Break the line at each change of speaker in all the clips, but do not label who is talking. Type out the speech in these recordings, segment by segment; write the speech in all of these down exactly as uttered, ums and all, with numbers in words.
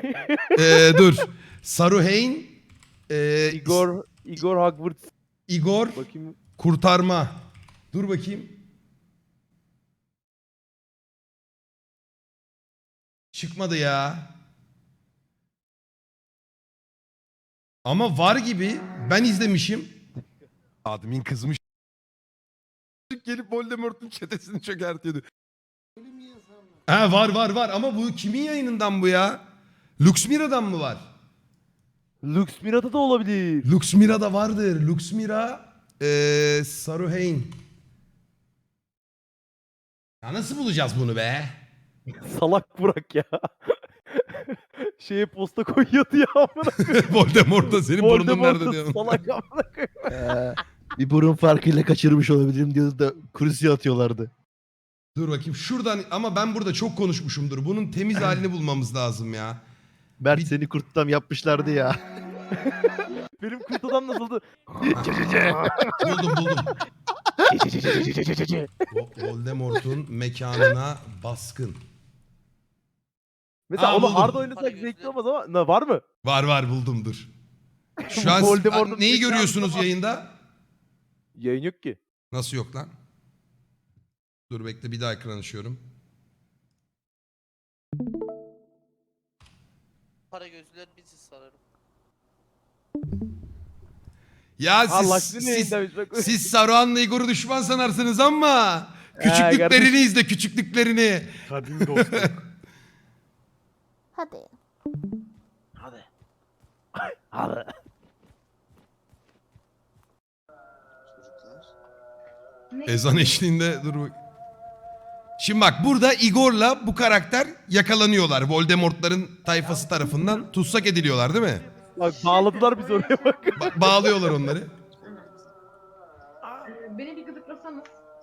Ee, dur. Saruhain. E,
Igor, Igor Hogwarts.
Igor.
Bakayım.
Kurtarma. Dur bakayım. Çıkmadı ya. Ama var gibi. Ben izlemişim. Admin kızmış. Gelip Voldemort'un çetesini çökertiyordu. Ha var var var ama bu kimin yayınından bu ya? Luxmira'dan mı var?
Lux Mirada da olabilir.
Luxmira'da vardır. Luxmira ee, Saruhain. Ya nasıl bulacağız bunu be?
Salak Burak ya. Şeye posta koyuyordu ya amına.
Voldemort'ta senin burnun
Voldemort'u
nerede diyorum.
salak amına koyayım.
Ee, bir burun farkıyla kaçırmış olabilirim diyordu da kurusiye atıyorlardı.
Dur bakayım şuradan ama ben burada çok konuşmuşumdur. Bunun temiz halini bulmamız lazım ya.
Mert
Bir-
seni kurttam yapmışlardı ya.
Benim kurt adam nasıldı?
Buldum buldum. Vo- Voldemort'un mekanına baskın.
Mesela
Aa,
onu
buldum.
hard oynasak zevkli olmaz ama ne var mı?
Var var buldum dur. Şu an
Voldemort'un
neyi
mekanı
görüyorsunuz
var.
yayında?
Yayın yok ki.
Nasıl yok lan? Dur bekle bir daha ekran açıyorum.
Para gözlüler bizi sararım.
Ya
Allah
siz,
seni
siz,
yayında bak.
siz Saruhan'la Igor'u düşman sanarsınız ama
He,
küçüklüklerini
kardeşim.
izle küçüklüklerini.
Kadim dostum.
Hadi.
Hadi. Hadi.
Ezan eşliğinde dur bak. Şimdi bak burada Igor'la bu karakter yakalanıyorlar. Voldemort'ların tayfası tarafından tutsak ediliyorlar değil mi?
Bak bağladılar bizi oraya bak.
Ba- bağlıyorlar onları.
Ee, Beni bir gıdıklasanız.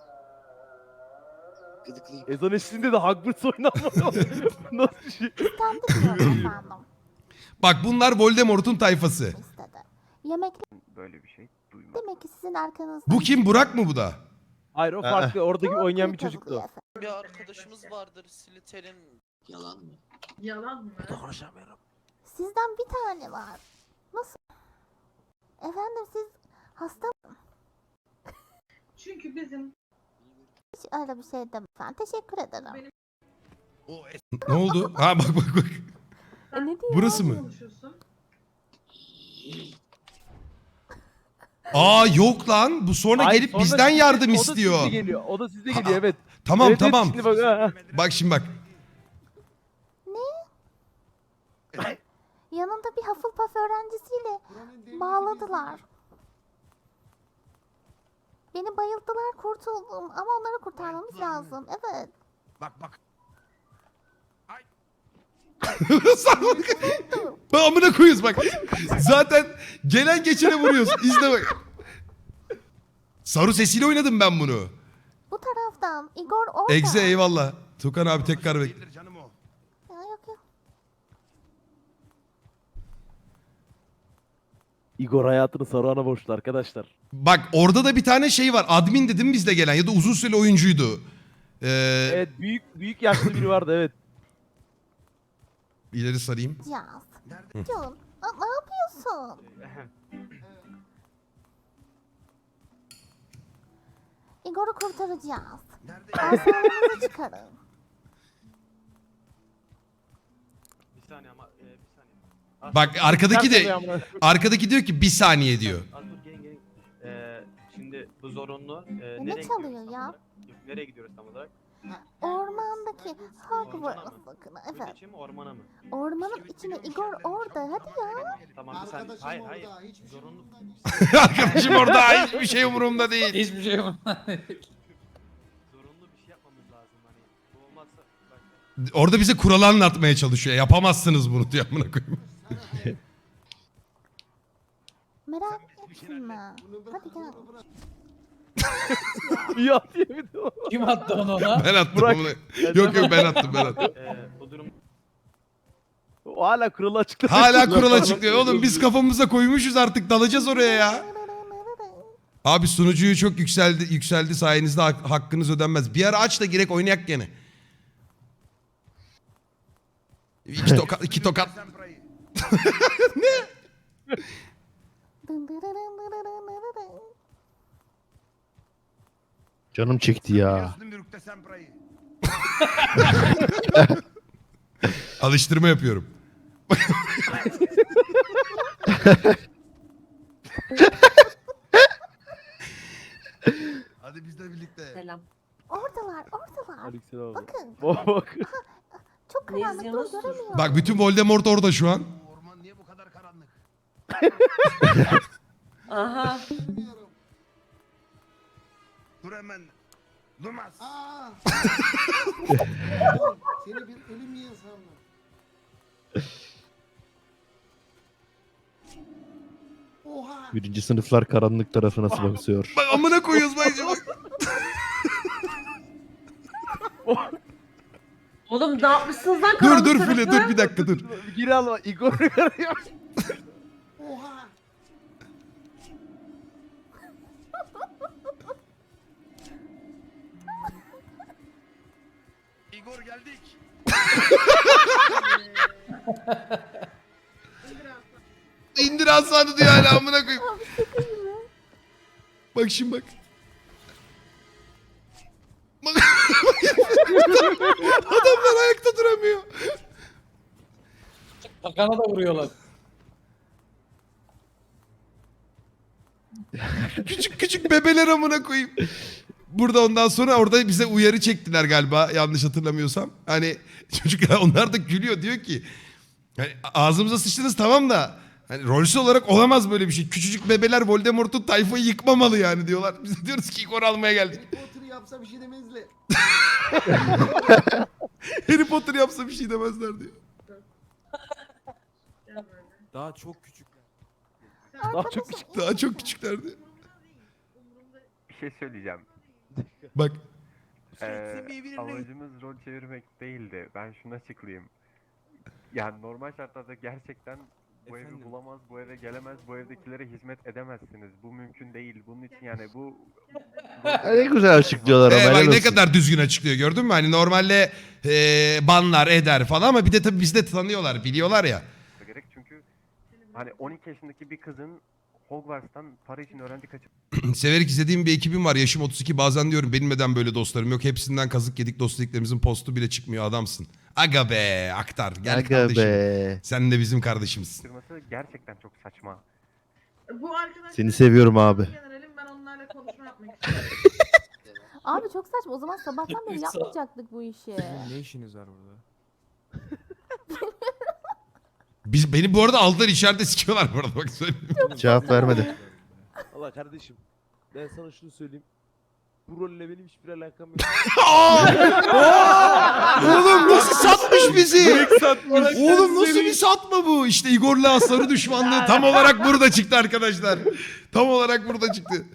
Ezan eşliğinde de Hogwarts oynanmadı. Nasıl bir şey?
Kendi diyorum efendim.
Bak bunlar Voldemort'un tayfası.
İstedi. Yemek
Böyle bir şey duymadım.
demek ki sizin arkanızda.
Bu kim? Burak mı bu da?
Hayır o farklı. Oradaki oynayan bir
Tabii
çocuktu.
efendim.
Bir arkadaşımız vardır Slytherin.
Yalan mı?
Yalan mı?
Konuşamıyorum.
Sizden bir tane var. Nasıl? Efendim siz hasta mı?
Çünkü bizim
Hiç öyle bir şey demem efendim. Teşekkür ederim.
Ne oldu? Ha bak bak bak.
E, ne diyor?
Burası mı?
konuşuyorsun.
Aa yok lan. Bu sonra
Hayır,
gelip
sonra
bizden
sizde-
yardım
O da
istiyor.
sizde geliyor. O da sizde
Ha,
geliyor evet.
Tamam
Evet, evet,
tamam.
şimdi bak, ha, ha.
Bak şimdi bak.
Yanında bir Hufflepuff öğrencisiyle bağladılar. Beni bayılttılar, kurtuldum ama onları kurtarmamız lazım. Evet.
Bak bak. Ben amına koyuyoruz bak. Zaten gelen geçene vuruyoruz. İzle bak. Saru sesiyle oynadım ben bunu.
Bu taraftan Igor orada.
Egze eyvallah. Tukan abi tekrar bekle.
Ya, yok yok.
Igor hayatını Saruhan'a borçlu arkadaşlar.
Bak orada da bir tane şey var. Admin dedim bizde gelen ya da uzun süreli oyuncuydu. Ee,
Evet büyük büyük yaşlı biri vardı evet.
İleri sarayım.
Yaz. John, aa, ne yapıyorsun? Igor'u kurtaracağız. Asalarınızı çıkarın.
Bir saniye ama e, bir saniye.
Bak arkadaki
Ters
de
oluyor amına.
arkadaki diyor ki bir saniye diyor.
Az dur gelin gelin. Ee, şimdi bu zorunlu. Ee,
ne
nereye
çalıyor
gidiyoruz tam
ya?
olarak? Yok, nereye gidiyoruz tam olarak?
Ormandaki Hogwarts
Ormana mı?
bakın.
Kuyunun
Evet.
içi mi ormana mı?
Ormanın içine Igor orada. Hadi ya.
Tamam bir saniye. Hayır hayır. Zorunlu.
Arkadaşım orada hiçbir şey umurumda değil.
Hiçbir şey yok.
Zorunlu bir şey yapmamız lazım hani. Bu olmazsa bak.
Orada bize kuralı anlatmaya çalışıyor. Yapamazsınız bunu diyor amına koyayım.
Merak etme. Hadi gel.
Ya diye bir de o.
Kim attı onu ona?
Ben attım
Burak.
bunu. Yok yok ben attım ben attım.
Ee, bu durum
O hala kuralı açıkladı.
Hala kural açıklıyor. Oğlum biz kafamıza koymuşuz artık dalacağız oraya ya. Abi sunucuyu çok yükseldi yükseldi sayenizde hak- hakkınız ödenmez. Bir ara aç da girek oynayak gene. İki tokat, iki tokat.
Dın dırırın dırırın.
Canım çekti ya.
Alıştırma yapıyorum. Hadi biz de birlikte.
Selam.
Oradalar, oradalar.
Aleykümselam abi.
Bakın,
Bak bak.
çok
Ne
karanlıkta
izliyorsunuz?
göremiyorum.
Bak bütün Voldemort orada şu an.
Orman niye bu kadar karanlık?
Aha.
Dur hemen. Durmaz.
Seni bir ölüm yiyen sandım. Oha. Birinci sınıflar karanlık tarafa nasıl bakıyor?
Bak amına koyuyoruz bak. bak.
Oğlum ne yapmışsınız lan
Dur
karanlık
dur
tarafı?
File dur bir dakika dur.
Gir alma. Igor'u görüyor.
Oha.
Igor geldik. İndir Hasan'ı diyor hala amına koyayım. Bak şimdi bak. Bak. Adamlar ayakta duramıyor.
Takana da vuruyorlar.
Küçük küçük bebeler amına koyayım. Burada ondan sonra orada bize uyarı çektiler galiba yanlış hatırlamıyorsam. Hani çocuklar onlar da gülüyor diyor ki hani ağzımıza sıçtınız tamam da hani rolsü olarak olamaz böyle bir şey. Küçücük bebeler Voldemort'un tayfayı yıkmamalı yani diyorlar. Biz de diyoruz ki Igor almaya geldik.
Harry Potter yapsa bir şey demezler.
Harry Potter yapsa bir şey demezler diyor.
Daha çok küçükler.
Daha çok küçük.
Daha çok küçüklerdi.
Bir şey söyleyeceğim.
Bak
Ee, amacımız rol çevirmek değildi. Ben şunu açıklayayım. Yani normal şartlarda gerçekten bu
Efendim?
evi bulamaz, bu eve gelemez, bu evdekilere hizmet edemezsiniz. Bu mümkün değil. Bunun için yani bu...
Ne güzel açıklıyorlar ama.
Ee, bak
helal
ne
olsun.
kadar düzgün açıklıyor gördün mü? Hani normalde ee, banlar eder falan ama bir de tabii bizi de tanıyorlar biliyorlar ya.
gerek çünkü hani on iki yaşındaki bir kızın Hogwarts'tan para için öğrenci kaçıp
Severek izlediğim bir ekibim var. Yaşım otuz iki bazen diyorum benim neden böyle dostlarım yok. Hepsinden kazık yedik dost dediklerimizin postu bile çıkmıyor adamsın. Aga be aktar gel
Aga
kardeşim.
be.
Sen de bizim kardeşimizsin.
kırması gerçekten çok saçma.
Bu arkadaşlar...
Seni seviyorum abi.
Generalim, ben onlarla konuşma yapmak istiyorum.
Abi çok saçma. O zaman sabahtan beri
Üç saat.
yapmayacaktık bu işi.
Ne işiniz var burada?
Biz, beni bu arada aldılar içeride sikiyorlar bu arada bak söyleyeyim.
Cevap vermedi.
Allah kardeşim. Ben sana şunu söyleyeyim. Bu rolle benim hiçbir alakam yok.
Oğlum nasıl satmış bizi? Oğlum nasıl bir satma bu? İşte Igor'la Sarı düşmanlığı tam olarak burada çıktı arkadaşlar. Tam olarak burada çıktı.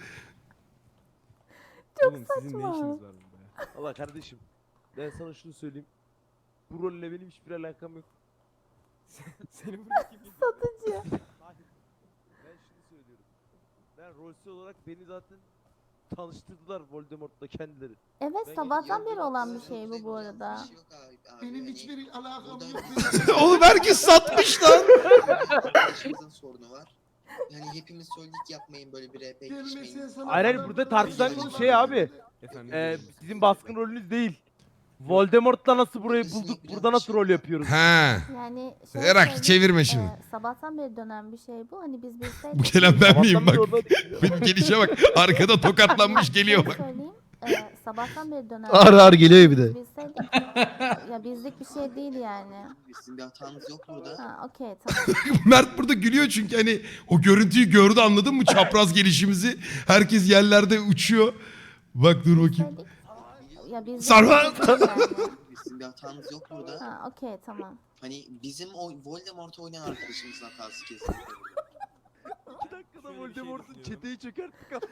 Çok
Oğlum sizin ne
saçma.
işiniz var burada?
Allah kardeşim. Ben sana şunu söyleyeyim. Bu rolle benim hiçbir alakam yok.
Senin burada kim?
Satıcı.
Ben şunu söylüyorum. Ben rolsü olarak beni zaten tanıştırdılar Voldemort'la kendileri.
Evet
Ben
sabahtan
gidiyorum.
beri olan bir şey bu bu arada.
Benim
hiçbir alakam
Oğlum herkes satmış lan.
Arkadaşımızın sorunu var. Yani hepimiz söyledik yapmayın böyle bir R P geçmeyin.
Hayır hayır burada tartışılan konu şey abi.
Efendim?
Ee, sizin baskın rolünüz değil. Voldemort'la nasıl burayı bulduk, burada nasıl rol yapıyoruz?
He.
Yani şey
Erak
söyleyeyim,
çevirme şimdi.
e, sabahtan beri dönen bir şey bu. Hani biz bilseydik.
Bu gelen ben miyim bak.
Sabahtan beri orada-
Benim gelişe bak. Arkada tokatlanmış geliyor
Şöyle
bak.
söyleyeyim. e, sabahtan beri dönen.
Ağır ağır geliyor bir de.
Bilseydik. Ya bizlik bir şey değil yani.
Sizin bir hatanız yok burada.
Ha okey tamam.
Mert burada gülüyor çünkü hani o görüntüyü gördü anladın mı? Çapraz gelişimizi. Herkes yerlerde uçuyor. Bak dur bakayım.
Bilseydik. Ya bizlik
Sarma!
bir şey değil yani.
Sizin bir hatanız yok burada.
Ha okey tamam.
Hani bizim o Voldemort'u oynayan arkadaşımızın hatası kesinlikle.
İki dakikada
Şöyle bir şey
Voldemort'un
düşünüyorum.
çeteyi çökerttik abi.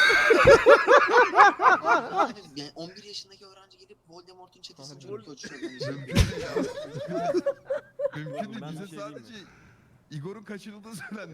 Yani, yani on bir yaşındaki öğrenci gelip Voldemort'un çetesini çocuk çocuğu
Mümkün
Oğlum,
değil.
ben
Bize
bir şey diyeyim mi?
sadece Igor'un kaçırıldığı söylendi.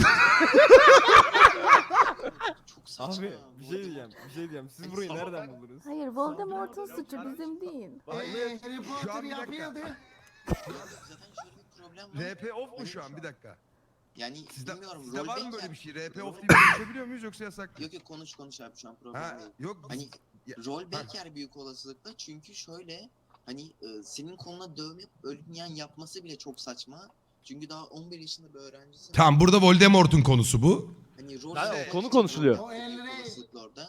Çok saçma.
Abi bir şey diyeceğim. Bir şey diyeceğim. Siz burayı nereden buldunuz?
Hayır Voldemort'un suçu bizim değil.
Harry
Potter yapıyordu.
Zaten şöyle bir problem var.
R P off mu şu an? Bir dakika.
Yani
Sizde,
bilmiyorum.
sizde var mı
roleplay
böyle
ya-
bir şey? R P
Rol-
off diye konuşabiliyor muyuz yoksa yasak mı?
Yok yok konuş konuş abi şu an problem
Ha,
değil.
yok.
Hani
Ya-
rol beker büyük olasılıkla çünkü şöyle hani e, senin koluna dövme ölümleyen yapması bile çok saçma. Çünkü daha on bir yaşında bir öğrencisin.
Tamam, burada Voldemort'un konusu bu.
Hani rol
Ha, o
beker
konu
için
konuşuluyor.
rol beker büyük olasılıkla orada.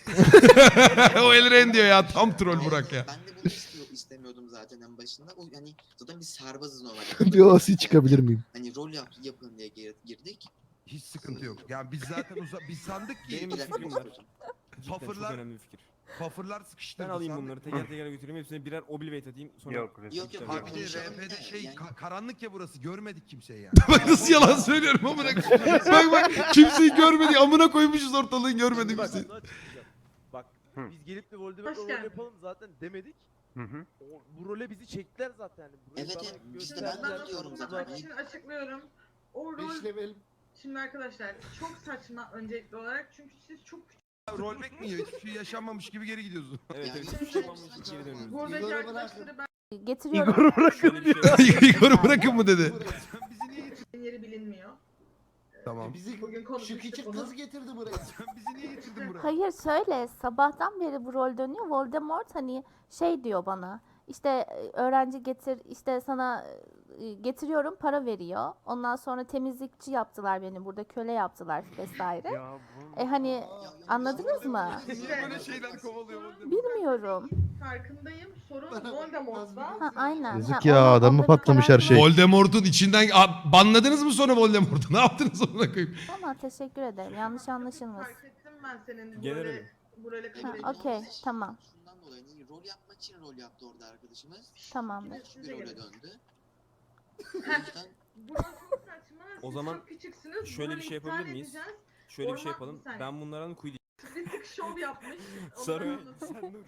O Elren diyor ya, tam troll Burak ya.
Ben de bunu istiyor, istemiyordum zaten en başında. O yani zaten biz serbazız normalde.
Bir O C çıkabilir miyim?
Hani rol yap, yapın diye gir- girdik.
Hiç sıkıntı yok. Yani biz zaten uza biz sandık ki
Benim
Bir
bir
dakika,
fikrim var.
hocam.
Cidden çok
Pufferlar-
önemli bir fikir.
pufferlar sıkıştırdı.
Ben alayım
sandık.
bunları teker teker götüreyim. Hepsine birer oblivate atayım. Sonra
Yok,
Yok, yok,
Tabii.
Ha
yok.
bir de
Konuşalım.
R P'de
Evet,
şey
yani-
ka- karanlık ya burası, görmedik kimseyi yani. Bak nasıl yalan söylüyorum amına koyayım. Bak bak kimseyi görmedik, amına koymuşuz ortalığın görmedik
Bak,
kimseyi.
bunu açıklayacağım. Bak
Hı.
biz gelip de Voldemort'la
Hoş
rol
geldin.
yapalım zaten demedik.
Hı hı.
O, bu role bizi çektiler zaten. Yani. Burayı
Evet,
bana
evet, işte
gösterdiler.
ben de
Ben
diyorum
bunu
zaten.
anlatmak için açıklıyorum. O rol... Şimdi arkadaşlar çok saçma öncelikli olarak çünkü siz çok
Rollback mi yiyor? Hiçbir şey yaşanmamış gibi geri gidiyorsun.
Evet
Yani
evet.
hiçbir
Hiçbir
şey
şey yapmamış
yapmamış,
geri dönüyoruz.
buradaki arkadaşları ben
Getiriyorum.
Igor'u bırakın
Şöyle bir
diyor.
şey var.
Igor'u bırakın mı dedi. Sen bizi niye getirdin?
yeri bilinmiyor.
Tamam.
Bizi
Bugün
şu
konuşmuştuk
küçük
bunu.
kız getirdi buraya.
Sen bizi niye getirdin buraya?
Hayır şöyle sabahtan beri bu rol dönüyor. Voldemort hani şey diyor bana. İşte e, öğrenci getir işte sana e, getiriyorum para veriyor. Ondan sonra temizlikçi yaptılar beni burada köle yaptılar vesaire.
Ya bu
E hani
Ya,
anladınız mı?
Niye böyle şeyler kovalıyor Voldemort?
Bilmiyorum.
Farkındayım. Sorun
Bana-
Voldemort'ta.
Ha aynen.
Yazık
Ha,
ya,
onu-
adamı
onda bir
patlamış
karar
her şey.
Voldemort'un içinden Aa, banladınız mı sonra Voldemort'u? Ne yaptınız amına koyayım?
Ama teşekkür ederim. Yanlış anlaşılmasın.
Fark ettim ben senin bu
Generali.
role, bu role
Ha,
kabul
okey,
ettiğini.
tamam.
Şundan dolayı hani rol yapmak için rol yaptı orada arkadaşımız.
Tamamdır.
Küçük bir role döndü. O
Heh,
yüzden
Burası çok saçma.
O
Siz
zaman
çok küçüksünüz.
şöyle
Bu
bir
rolü
şey yapabilir
iptal
miyiz?
edeceğiz.
Şöyle bir şey
Orman-
yapalım.
bir saniye.
Ben bunlardan kuyu
Bir tık şov yapmış. Ondan
Sarı.
anladım.
Sen dur.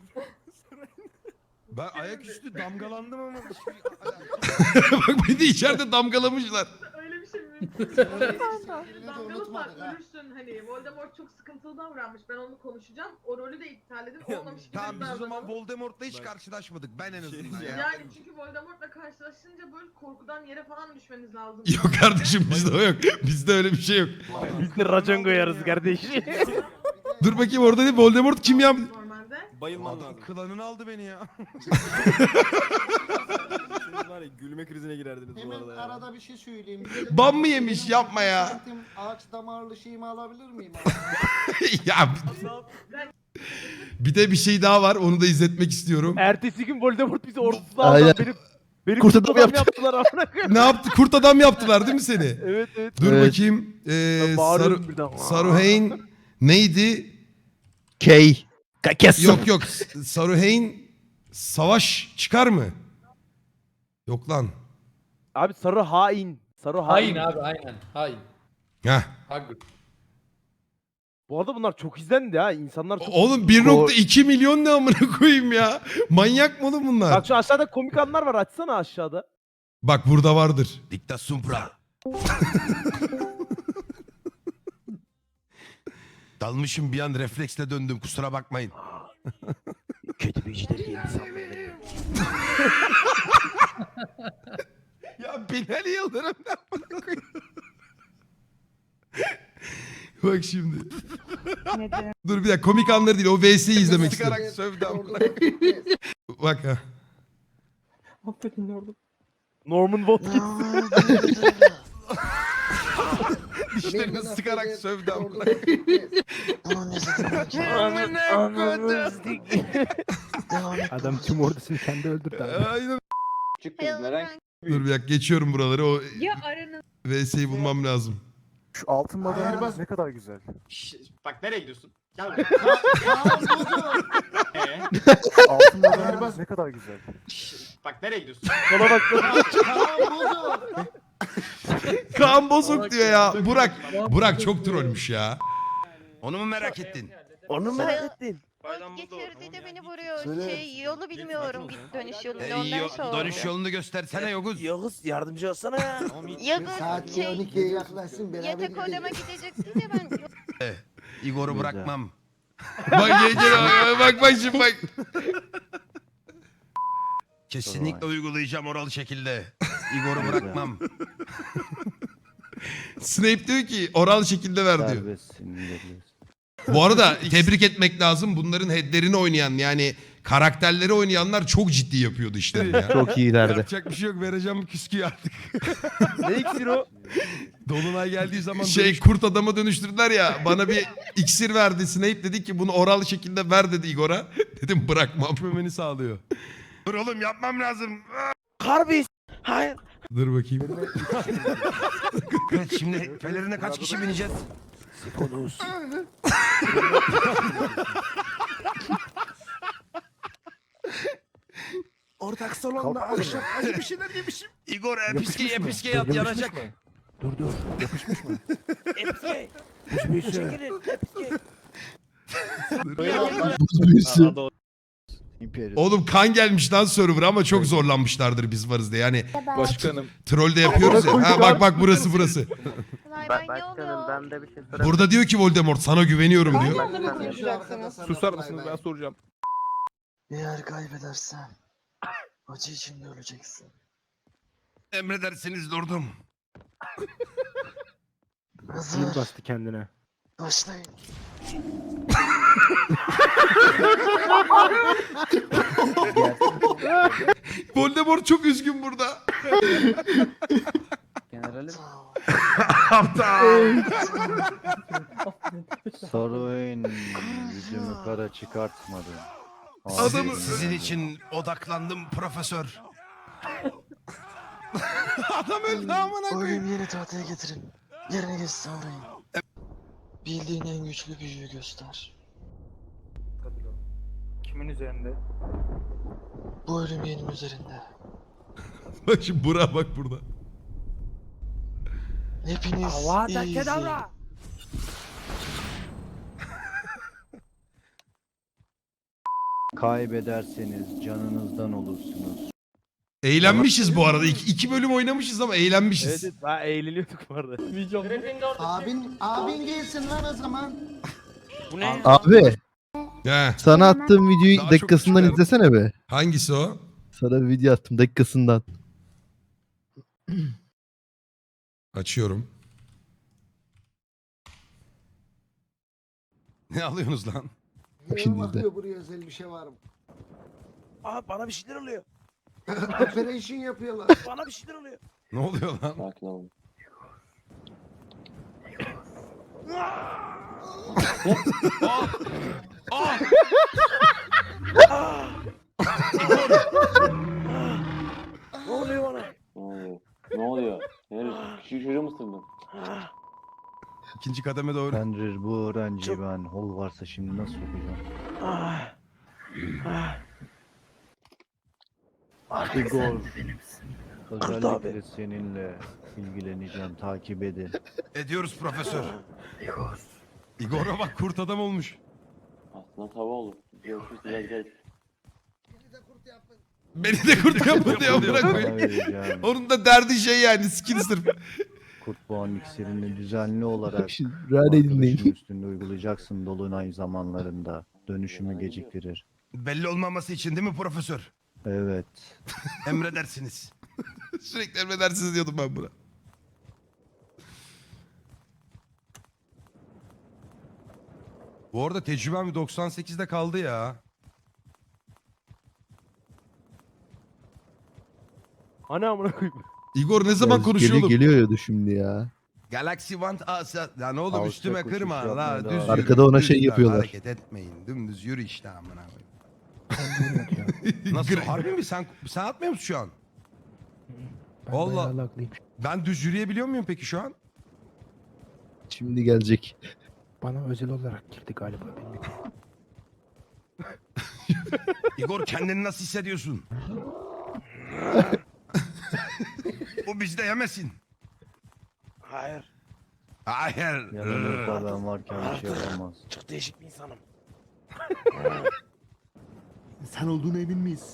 Ben ayaküstü damgalandım ama. Bak beni de içeride damgalamışlar.
Öyle bir şey mümkün.
Pardon.
Damgalısan
ha.
ölürsün hani. Voldemort çok sıkıntılı davranmış. Ben onu konuşacağım. O rolü de iptal edin.
Ya,
Olmamış gibi
Tamam biz o zaman
davranalım.
Voldemort'la hiç
Bak.
karşılaşmadık. Ben en
Şey
azından
diyeceğim.
ya.
Yani çünkü Voldemort'la karşılaşınca böyle korkudan yere falan düşmeniz lazım.
Yok kardeşim bizde o yok. Bizde öyle bir şey yok.
Biz de racon koyarız kardeş.
Dur bakayım orada değil Voldemort kim ya?
Normalde.
Bayılman
Adam
lazım.
klanını aldı beni ya.
Siz var ya gülme krizine girerdiniz bu
Hemen
arada ya.
arada bir şey söyleyeyim.
Ban mı yemiş? Yapma ya.
Santim ağaç damarlı şeyimi alabilir miyim?
Ya bir de bir şey daha var, onu da izletmek istiyorum.
Ertesi gün Voldemort bizi ordusuna
Aynen.
aldı. Benim, benim
Kurt
kurt
adam
adam
yaptı.
yaptılar amına koyayım.
Ne yaptı? Kurt adam yaptılar değil mi seni?
Evet evet.
Dur
Evet.
bakayım. Ee,
Ben bağırıyorum
Saru,
birden.
Saruhain neydi?
K. Kes.
Yok yok. Saruhain savaş çıkar mı? Yok lan.
Abi sarı hain. Sarı hain.
Hain abi aynen. Hain.
Heh.
Hagrid.
Bu arada bunlar çok izlendi ha. İnsanlar çok...
Oğlum bir nokta iki milyon ne amına koyayım ya? Manyak mı oğlum bunlar?
Bak şu aşağıda komik anlar var. Açsana aşağıda.
Bak burada vardır. Dikta Sumpra. Dalmışım bir an refleksle döndüm kusura bakmayın.
Kötü bir işleri yeni sanmıyorum.
Ya Binali Yıldırım ne amına koyayım? Bak şimdi. Dur bir dakika komik anları değil o V S'yi izlemek istiyorum. Sıkarak sövdü amına koyayım. Bak ha.
Norman Watkins.
Dişlerini sıkarak sövdü amına
Adam tüm ordusunu kendi öldürdü.
Aynen. Dur bir dakika geçiyorum buraları o
Ya aranız.
V S'yi bulmam lazım.
Şu altın madalya ne kadar güzel.
Bak nereye gidiyorsun? Gel Ee?
Altın madalya ne kadar güzel.
Bak nereye gidiyorsun?
Sola bak.
Kaan Bozok diyor ya. Burak. Burak çok trollmüş ya. Onu mu merak ettin?
Onu merak ettin.
Getirdi de beni vuruyor. Şey yolu bilmiyorum git dönüş yolunu
E,
ondan
yo-
sonra.
dönüş yolunu göstersene Yoguz.
Yağız yardımcı olsana ya.
Yagız
Saat
şey
on ikiye yaklaşsın beraber
yatak
gidelim.
odama gideceksin ya ben.
Igor'u bırakmam. bak gel gel bak bak şimdi bak. Kesinlikle uygulayacağım oral şekilde. Igor'u bırakmam. Snape diyor ki oral şekilde ver diyor.
Serbestsin, gidebilirsin.
Bu arada tebrik etmek lazım. Bunların headlerini oynayan yani karakterleri oynayanlar çok ciddi yapıyordu işlerini ya.
Çok iyilerdi.
Yapacak bir şey yok. Vereceğim küsküyü artık.
Ne iksir o?
Dolunay geldiği zaman şey kurt adama dönüştürdüler ya. Bana bir iksir verdi. Snape dedi ki bunu oral şekilde ver dedi Igor'a. Dedim bırakmam. Beni sağlıyor. Dur oğlum yapmam lazım.
Harbi. Hayır.
Dur bakayım. Evet şimdi pelerine kaç kişi bineceğiz?
Sikonuz. Ortak salonda akşam acı bir şeyler yemişim.
Igor episke episke yat yanacak.
Dur dur. Yapışmış mı? Episke. Çekilin. Episke.
Oğlum kan gelmiş lan server'a ama çok zorlanmışlardır biz varız diye. Yani
Başkanım.
troll de yapıyoruz ya. Ha bak bak burası burası.
Başkanım ben de bir şey sorabilir
Burada diyor ki Voldemort sana güveniyorum diyor.
Susar mısınız ben soracağım.
Eğer kaybedersen acı içinde öleceksin.
Emredersiniz lordum.
Hazır.
bastı kendine.
Başlayın.
Voldemort çok üzgün burada.
Generalim.
Aptal.
Sorun yüzümü kara çıkartmadı.
Adamı sizin için odaklandım profesör. Adam öldü amına koyayım.
Ölüm yeni tahtaya getirin. Yerine geç savrayın. Bildiğin en güçlü büyüyü göster.
Kimin üzerinde?
Bu ölüm yenin üzerinde.
Bak şimdi Burak'a bak burada.
Hepiniz
Avada
iyi
kedavra.
Kaybederseniz canınızdan olursunuz.
Eğlenmişiz bu arada. İki, iki bölüm oynamışız ama eğlenmişiz.
Evet daha eğleniyorduk bu arada.
Abin, abin gelsin lan o zaman.
Bu ne?
Abi
He.
sana attığım videoyu
Daha çok
dakikasından
küçük
izlesene be.
Hangisi o?
Sana bir video attım dakikasından.
Açıyorum. Ne alıyorsunuz lan?
Şimdi
Ne
izle.
bakıyor buraya özel bir şey var mı?
Aa bana bir şeyler oluyor.
Operation yapıyorlar.
Bana bir şeyler oluyor.
Ne oluyor lan?
Sakin olun.
Aa!
Ne oluyor bana?
Ne oluyor? Nerede? Küçük çocuğu mu ısırdın?
İkinci kademe doğru.
Fenrir bu öğrenciyi ben hol varsa şimdi nasıl sokacağım?
Ah. Ah.
Igor.
Kurt
Özellikle seninle ilgileneceğim. Takip edin.
Ediyoruz profesör.
Igor.
Igor'a bak kurt adam olmuş.
Aslında tava olur. Görüşürüz biraz geç.
Beni de kurt yapma diyor
Sana
bırakmayın.
vereceğim.
Onun da derdi şey yani skill sırf.
Kurt boğan iksirini düzenli olarak
Rane
arkadaşın
dinleyin.
üstünde uygulayacaksın dolunay zamanlarında. Dönüşümü geciktirir.
Belli olmaması için değil mi profesör?
Evet.
Emredersiniz. Sürekli emredersiniz diyordum ben buna. Bu arada tecrübem bir doksan sekizde kaldı ya.
Hani amına koyayım.
Igor ne zaman
Ya,
konuşuyor
geliyor,
oğlum?
geliyor ya şimdi ya.
Galaxy Want Asa. Lan oğlum
Alçak
üstüme
uçuş
kırma
yapmaya
la.
devam.
Düz yürü,
Arkada ona
düz
şey
lan,
yapıyorlar.
Hareket etmeyin. Dümdüz yürü işte amına koyayım. Nasıl? Harbi mi? Sen, sen atmıyor musun şu an? Allah. Ben düz yürüyebiliyor muyum peki şu an?
Şimdi gelecek.
Bana özel olarak girdi galiba.
Igor kendini nasıl hissediyorsun? Bu bizde yemesin.
Hayır.
Hayır.
Yanımızda ben varken bir şey yapamaz.
Çok değişik bir insanım.
Sen olduğuna emin miyiz?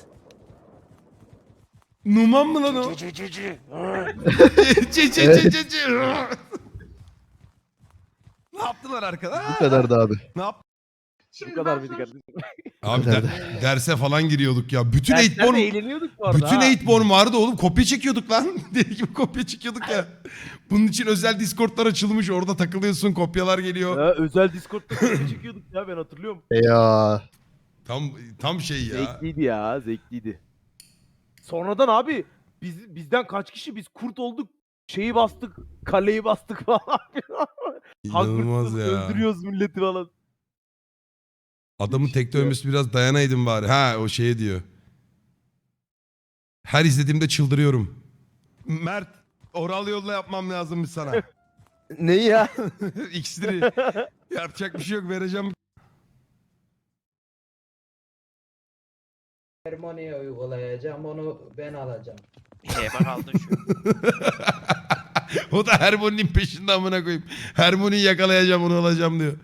Numan mı lan o?
Cici cici.
Çe çe çe çe çe. Ne yaptılar arkada?
Bu kadar da abi.
Ne yap?
Şimdi
Bu kadar
ben
mıydı
sonuç-
kardeşim?
Abi
Nerede?
der- derse falan giriyorduk ya. Bütün
Derslerde
Eightborn
eğleniyorduk bu arada.
bütün
ha.
Eightborn vardı oğlum. Kopya çekiyorduk lan. Deli gibi kopya çekiyorduk ya. Bunun için özel Discord'lar açılmış. Orada takılıyorsun. Kopyalar geliyor.
Ha, özel Discord'da kopya çekiyorduk ya, ben hatırlıyorum.
Ya.
Tam tam şey ya.
Zevkliydi ya, zevkliydi. Sonradan abi biz bizden kaç kişi biz kurt olduk. Şeyi bastık, kaleyi bastık falan.
İnanılmaz
Hogwarts'ta
ya.
öldürüyoruz milleti falan.
Adamın tek dövmesi biraz dayanaydın bari. Ha o şeye diyor. Her izlediğimde çıldırıyorum. Mert oral yolla yapmam lazımmış sana.
Ne ya?
İksiri. Yapacak bir şey yok vereceğim.
Harmoniye uygulayacağım, onu ben alacağım.
Bak aldın şu.
O da Hermione'nin peşinde amına koyayım. Hermione'yi yakalayacağım onu alacağım diyor.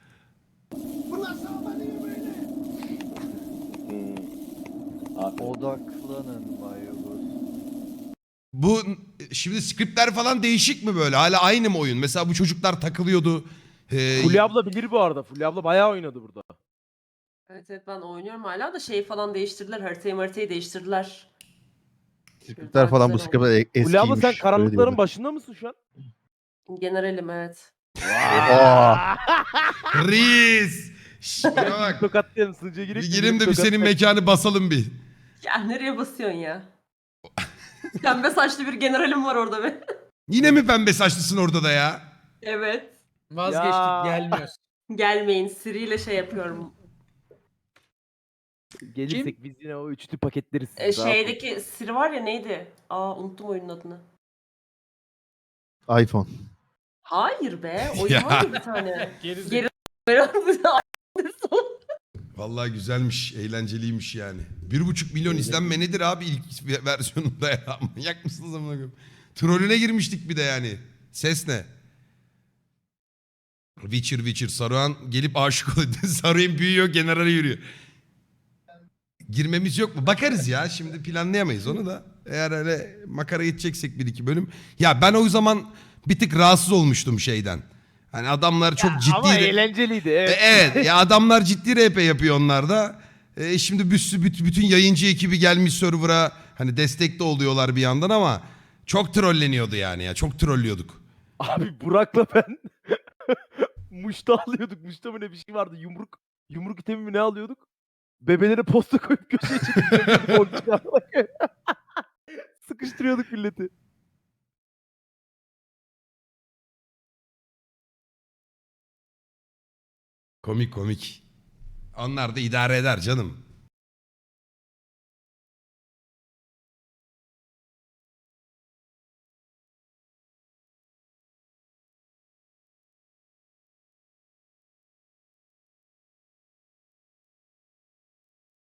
Odaklanın Mayobus.
Bu şimdi skriptler falan değişik mi böyle? Hala aynı mı oyun? Mesela bu çocuklar takılıyordu. Ee,
Fulya abla bilir bu arada. Fulya abla bayağı oynadı burada.
Evet evet, ben oynuyorum hala da şeyi falan değiştirdiler. Haritayı haritayı değiştirdiler.
Skriptler falan bu
Güzel
skriptler e- eskiymiş.
Fulya abla sen
öyle
karanlıkların
diyorlar.
başında mısın şu an?
Generalim evet.
Aa.
Reis. Şş, bana bak.
Tokatlayalım, sınıca girip.
Bir girelim de bir senin mekanı basalım bir.
Ya nereye basıyorsun ya? Pembe saçlı bir generalim var orada be.
Yine mi pembe saçlısın orada da ya?
Evet.
Vazgeçtik, Ya.
gelmiyoruz.
Gelmeyin, Siri ile şey yapıyorum.
Gelirsek biz yine o üçlü paketleriz.
E, şeydeki Siri var ya, neydi? Aa, unuttum oyunun adını.
iPhone.
Hayır be, oyun
Ya.
var ya bir tane.
Geri
Geri
Vallahi güzelmiş, eğlenceliymiş yani. Bir buçuk milyon izlenme nedir abi ilk versiyonunda ya? Manyak mısınız amına koyayım? Trollüne girmiştik bir de yani. Ses ne? Witcher Witcher Saruhan gelip aşık oluyor. Saruhan büyüyor, generale yürüyor. Girmemiz yok mu? Bakarız ya. Şimdi planlayamayız onu da. Eğer öyle makara gideceksek bir iki bölüm. Ya ben o zaman bir tık rahatsız olmuştum şeyden. Hani adamlar çok ciddi...
Ama
re-
eğlenceliydi,
E,
evet.
evet ya adamlar ciddi R P yapıyor onlar da. E, şimdi büs- büt- bütün yayıncı ekibi gelmiş server'a hani destekte oluyorlar bir yandan ama çok trolleniyordu yani ya. Çok trollüyorduk.
Abi Burak'la ben muşta alıyorduk. Muşta mı ne bir şey vardı. Yumruk yumruk itemi mi ne alıyorduk? Bebelere posta koyup köşeye çekip sıkıştırıyorduk milleti.
Komik komik. Onlar da idare eder canım.